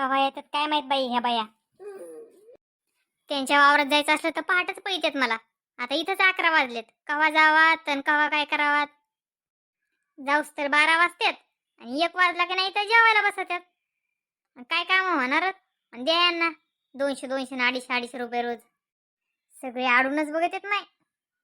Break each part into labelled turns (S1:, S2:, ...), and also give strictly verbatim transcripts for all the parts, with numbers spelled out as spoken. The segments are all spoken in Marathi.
S1: कवा येतात काय माहित बाई ह्या बाया. त्यांच्या वावरात जायचं असलं तर पहाटच पैतात मला. आता इथंच अकरा वाजलेत. कवा जावात आणि कवा काय करावात. जाऊस तर बारा वाजतात आणि एक वाजला की नाही तर जेवायला बसतात. काय काम होणारच. आणि द्या यांना दोनशे दोनशे ना अडीचशे अडीचशे रुपये रोज. सगळे आडूनच बघत येत नाही.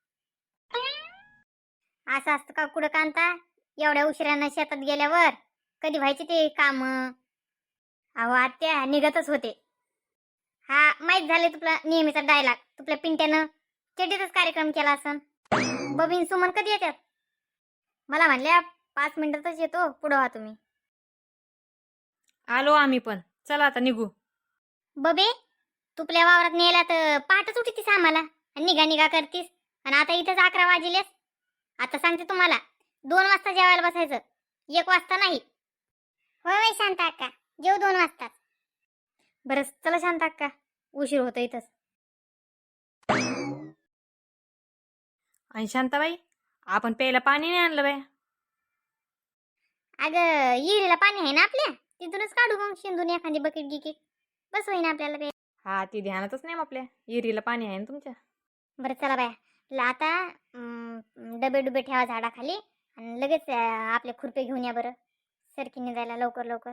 S1: असं असतं का कुठं कांता. एवढ्या उशिरानं शेतात गेल्यावर कधी व्हायचे ते काम. अहो आत्या निघतच होते. हा माहित झाले तुला नेहमीचा डायलॉग. तुपल्या पिंट्यानं चेडीतच कार्यक्रम केला असन. बबीन सुमन कधी येतात. मला म्हणल्या पाच मिनिटातच येतो पुढं व्हा तुम्ही.
S2: आलो आम्ही पण. चला आता निघू.
S1: बबे तुपल्या वावरात नेला तर पहाटच उठतीस आम्हाला आणि निघा निघा करतीस. आणि आता इथंच अकरा वाजलेस. आता सांगते तुम्हाला दोन वाजता जेवायला बसायचं. एक वाजता नाही. होय होय शांता अक्का जेव दोन वाजता. बरं चला शांता अक्का उशीर होतो इथंच.
S2: आणि शांताबाई आपण प्यायला पाणी नाही आणलं बाय.
S1: अगं हिरीला पाणी आहे ना आपल्या. तिथूनच काढू मग शिंदून एखादी बकेट गिकेट. बस होईना आपल्याला प्यायला.
S2: हा ती ध्यानातच नाही आपल्या. इरीला पाणी आहे ना तुमच्या.
S1: बरं चला बाया. ला आता अं, डबे डुबे ठेवा झाडाखाली आणि लगेच अं, आपले खुरपे घेऊन या बरं. सरकीने जायला लवकर लवकर.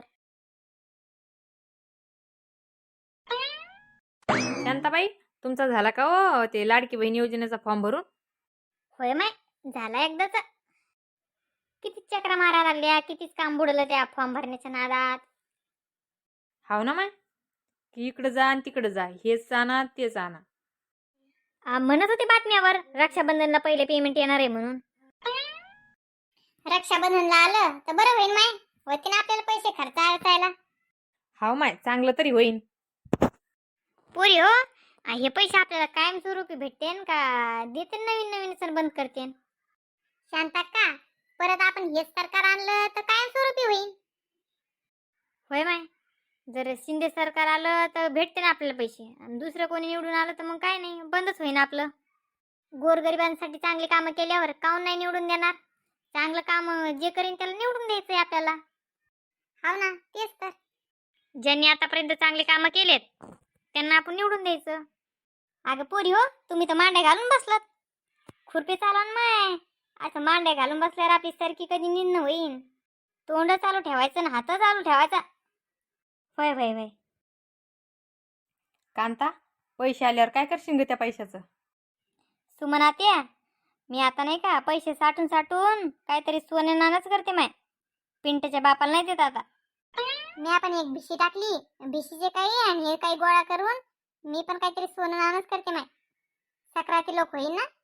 S2: शांताबाई तुमचा झाला का हो ते लाडकी बहीण योजनेचा फॉर्म भरून.
S1: होय माय झाला एकदाच. किती चक्रा मारा लागल्या. कितीच काम बुडलं त्या फॉर्म भरण्याच्या नादात.
S2: हाव ना माय की इकडं जा आणि तिकडं जा. हेच आणा तेच आणा.
S1: आ, म्हणत होते बातम्यावर रक्षाबंधनला पहिले पेमेंट येणार आहे म्हणून. रक्षाबंधनला आलं तर बरं होईल माय. होते ना आपल्याला पैसे खर्च अडचायला.
S2: हाव माय चांगलं तरी होईन.
S1: पोरी हो आ, हे पैसे आपल्याला कायमस्वरूपी भेटतेन का देते नवीन नवीन सण बंद करते. शांता का परत आपण हेच सरकार आणलं तर कायमस्वरूपी होईल. होय माय जर शिंदे सरकार आलं तर भेटते ना आपल्याला पैसे. आणि दुसरं कोणी निवडून आलं तर मग काय नाही बंदच होईन आपलं. गोरगरिबांसाठी चांगली कामं केल्यावर काऊन नाही निवडून देणार. चांगलं काम जे करीन त्याला निवडून द्यायचंय आपल्याला. हाव ना तेच तर. ज्यांनी आतापर्यंत चांगले कामं केलेत त्यांना आपण निवडून द्यायचं. अगं पोरी हो तुम्ही तर मांड्या घालून बसलात. खुरपी चालवून माय असं मांड्या घालून बसल्यावर आपली सरकी कधी निन्न होईन. तोंड चालू ठेवायचं ना हात चालू ठेवायचा. होय होय होय.
S2: कांता पैसे आल्यावर काय करशील ग त्या पैशाचं.
S1: सुमना त्या मी आता नाही का पैसे साठून साठून काहीतरी सोने नाणंच करते माय. पिंटच्या बापाला नाही देत आता. मी आपण एक भिशी टाकली. भिशीचे काही आणि हे काही गोळा करून मी पण काहीतरी सोनं नाणंच करते माय. सक्राती लोक होईल ना.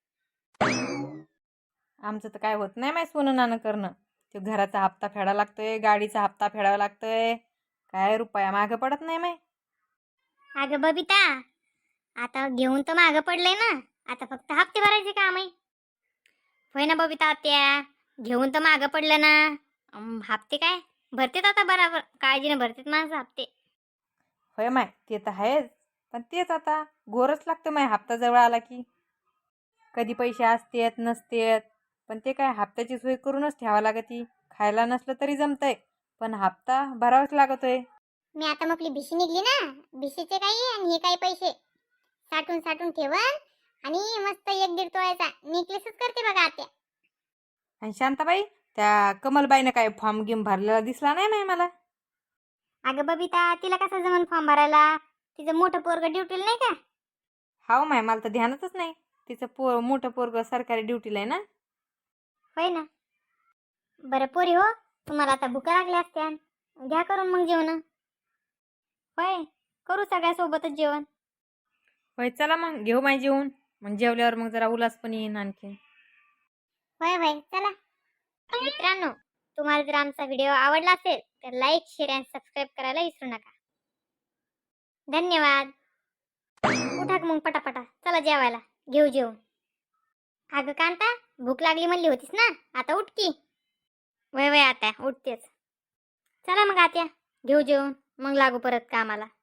S2: आमचं तर काय होत नाही माय सोनं नाणं करणं. ते घराचा हप्ता फेडावा लागतोय. गाडीचा हप्ता फेडावा लागतोय. काय रुपया मागं पडत नाही माय.
S1: अगं बबिता आता घेऊन तर मागं पडलंय ना. आता फक्त हप्ते भरायचे काम आहे. होय ना बबिता त्या घेऊन तर मागं पडलं ना. अं, हप्ते काय भरतेत आता बराबर. काळजीने भरतेत माणसं हप्ते.
S2: होय माय ते तर आहेच. पण तेच आता गोरच लागतं माय हप्ता जवळ आला की. कधी पैसे असतेत नसतेत. पण ते काय हप्त्याची सोय करूनच ठेवा लागती. खायला नसलं तरी जमतंय पण हप्ता भरावाच लागतोय.
S1: मी आता मग आपली भिशी निघली ना. भिशीचे काही आणि हे काही पैसे साठून साठून ठेवन आणि मस्त एक दीड तोळ्याचा नेकलेसच करते बघा आत्या.
S2: आणि शांताबाई त्या कमलबाईनं काय फॉर्म गेम भरलेला दिसला नाही माय मला.
S1: अगं बबिता तिला कसं जमन फॉर्म भरायला. तिचं मोठं पोरग ड्युटीला नाही का.
S2: हाव माय मला तर ध्यानातच नाही. तिचं पोर मोठं पोरग सरकारी ड्युटीला आहे ना.
S1: होय ना. बरं पोरी हो तुम्हाला आता भुका लागल्या असत्या. घ्या करून मग जेवण. होय करू सगळ्या सोबतच जेवण.
S2: होय चला मग घेऊ माय जेवून. मग जेवल्यावर मग जरा उल्हास पण येईन आणखी.
S1: होय होय चला. मित्रांनो तुम्हाला जर आमचा व्हिडिओ आवडला असेल तर लाईक शेअर आणि सबस्क्राईब करायला विसरू नका. धन्यवाद. उठा मग पटापटा चला जेवायला घेऊ जेवून. अगं कांता भूक लागली म्हणली होतीस ना आता उठ की. वय वय आता उठतेच. चला मग आत्या घेऊ जेवून मग लागू परत कामाला.